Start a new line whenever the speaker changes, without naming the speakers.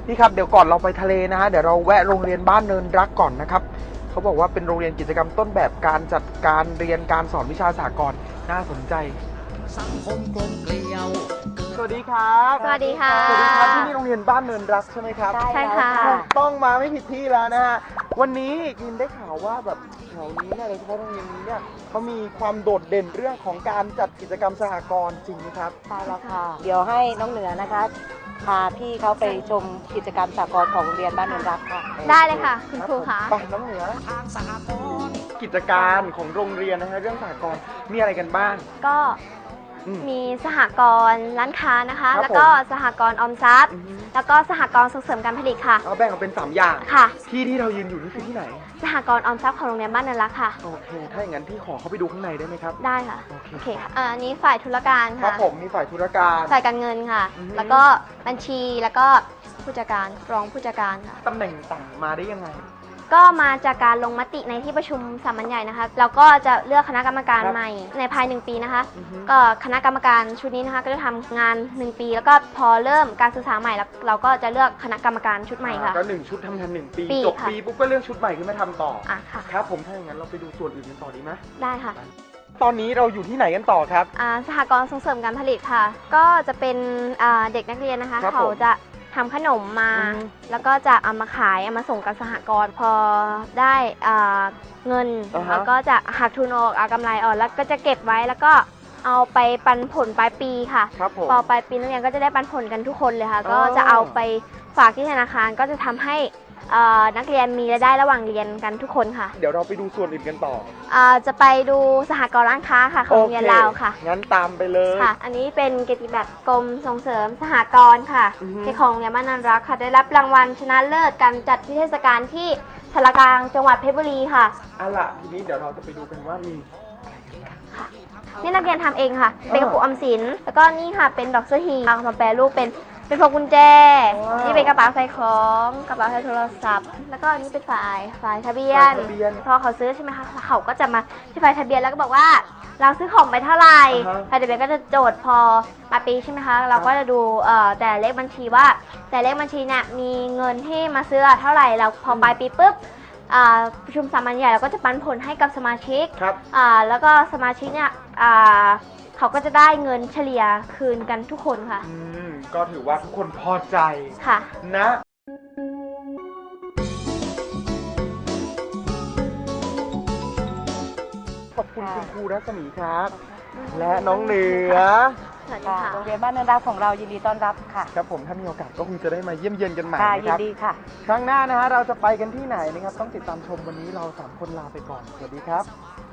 พี่ครับเดี๋ยวก่อนเราไปทะเลนะฮะเดี๋ยวเราแวะโรงเรียนบ้านเนินรักก่อนนะครับเขาบอกว่าเป็นโรงเรียนกิจกรรมต้นแบบการจัดการเรียนการสอนวิชาสากลน่าสนใจสังคมกลมเกลียวสวัสดีครับ
สวัสดีค่ะ
สวัสดีครับที่นี่โรงเรียนบ้านเนินรักใช่ไหมครับ
ใช่ค่ะ
ต้องมาไม่ผิดที่แล้วนะฮะวันนี้ยินได้ข่าวว่าแบบแถวนี้เนี่ยโดยเฉพาะโรงเรียนนี้เนี่ยเขามีความโดดเด่นเรื่องของการจัดกิจกรรมสหกรณ์จริงไหมครับ
ใช่แล้วค่ะเดี๋ยวให้น้องเหนือนะคะพาพี่เขาไปชมกิจกรรมสากลของโรงเรียนบ้านเนินรักค่ะ
ได้เลยค่ะคุณครูคะ
ไปน้องเหนือกิจการของโรงเรียนนะฮะเรื่องสหกรณ์มีอะไรกันบ้าง
ก็มีสหกรณ์ร้านค้านะคะแล้วก็สหกรณ์ออมทรัพย์แล้วก็สหกรณ์ส่งเสริมการผลิตค่ะ
เอาแบ่งออกเป็น3อย่าง
ค่ะ
ที่เรายืนอยู่นี่คือที่ไหน
สหกรณ์ออมทรัพย์ของโรงเรียนบ้านเนินรักค่ะ
โอเคถ้าอย่างนั้นพี่ขอเข้าไปดูข้างในได้ไหมครับ
ได้ค่ะโอเคค่ะอันนี้ฝ่ายธุรการค่ะ
ครับผมมีฝ่ายธุรการ
ฝ่ายการเงินค่ะแล้วก็บัญชีแล้วก็ผู้จัดการรองผู้จัดการค่ะ
ตำแหน่งต่างมาได้ยังไง
ก็มาจากการลงมติในที่ประชุมสามัญใหญ่นะคะแล้วก็จะเลือกคณะกรรมการใหม่ในภาย1 ปีนะคะก็คณะกรรมการชุดนี้นะคะก็จะทำงาน1 ปีแล้วก็พอเริ่มการศึกษาใหม่แล้วเราก็จะเลือกคณะกรรมการชุดใหม่ค่ะ
ก็1 ชุดทำงาน1 ปีจบปีปุ๊บก็เลือกชุดใหม่ขึ้นมาทำต่อ
ค่ะ
ครับผมถ้าอย่างนั้นเราไปดูส่วนอื่นกันต่อดีไหม
ได้ค่ะ
ตอนนี้เราอยู่ที่ไหนกันต่อครับ
สหกรณ์ส่งเสริมการผลิตค่ะก็จะเป็นเด็กนักเรียนนะคะเขาจะทำขนมมาแล้วก็จะเอามาขายเอามาส่งกับสหกรณ์พอได้เงินแล้วก็จะหักทุนออกเอากำไรออกแล้วก็จะเก็บไว้แล้วก็เอาไปปันผลปลายปีค่ะพอปลายปีนักเรียนก็จะได้ปันผลกันทุกคนเลยค่ะก็จะเอาไปฝากที่ธนาคารก็จะทำให้นักเรียนมีรายได้ระหว่างเรียนกันทุกคนค่ะ
เดี๋ยวเราไปดูส่วนอื่นกันต่อ
จะไปดูสหกรณ์ร้านค้าค่ะของโรงเรียนเราค่ะ
งั้นตามไปเลย
ค่ะอันนี้เป็นเกียรติบัตรกรมส่งเสริมสหกรณ์ค่ะที่ของโรงเรียนบ้านเนินรักค่ะได้รับรางวัลชนะเลิศการจัดเทศกาลที่สารกลางจังหวัดเพชรบุรีค่ะ
ล่ะทีนี้เดี๋ยวเราจะไปดูกันว่ามี
นี่นักเรียนทำเองค่ะเป็นกระปุกออมสินแล้วก็นี่ค่ะเป็นดอกเสื้อฮีเอามาแปรรูปเป็นพวงกุญแจนี่เป็นกระเป๋าใส่ของกระเป๋าใส่โทรศัพท์แล้วก็อันนี้เป็นฝ่ายทะเบียนพอเขาซื้อใช่ไหมคะเขาก็จะมาที่ฝ่ายทะเบียนแล้วก็บอกว่าเราซื้อของไปเท่าไหร่ฝ่ายทะเบียนก็จะโจทย์พอปลายปีใช่ไหมคะเราก็จะดูแต่เลขบัญชีว่าแต่เลขบัญชีเนี่ยมีเงินที่มาซื้อเท่าไหร่แล้วพอปลายปีปุ๊บประชุมสามัญใหญ่เราก็จะปันผลให้กับสมาชิกแล้วก็สมาชิกเนี่ยเขาก็จะได้เงินเฉลี่ยคืนกันทุกคนค่ะ
ก็ถือว่าทุกคนพอใจ
ค่ะ
นะขอบคุณคุณครูรัศมีครับและน้องเหนือ
โรงเรียนบ้านเนินรักของเรายินดีต้อนรับค่ะ
ครับผมถ้ามีโอกาสก็คงจะได้มาเยี่ยมเยียนกันใหม่
นะครับยินดีค่ะ
ครั้งหน้านะฮะเราจะไปกันที่ไหนนะครับต้องติดตามชมวันนี้เรา3 คนลาไปก่อนสวัสดีครับ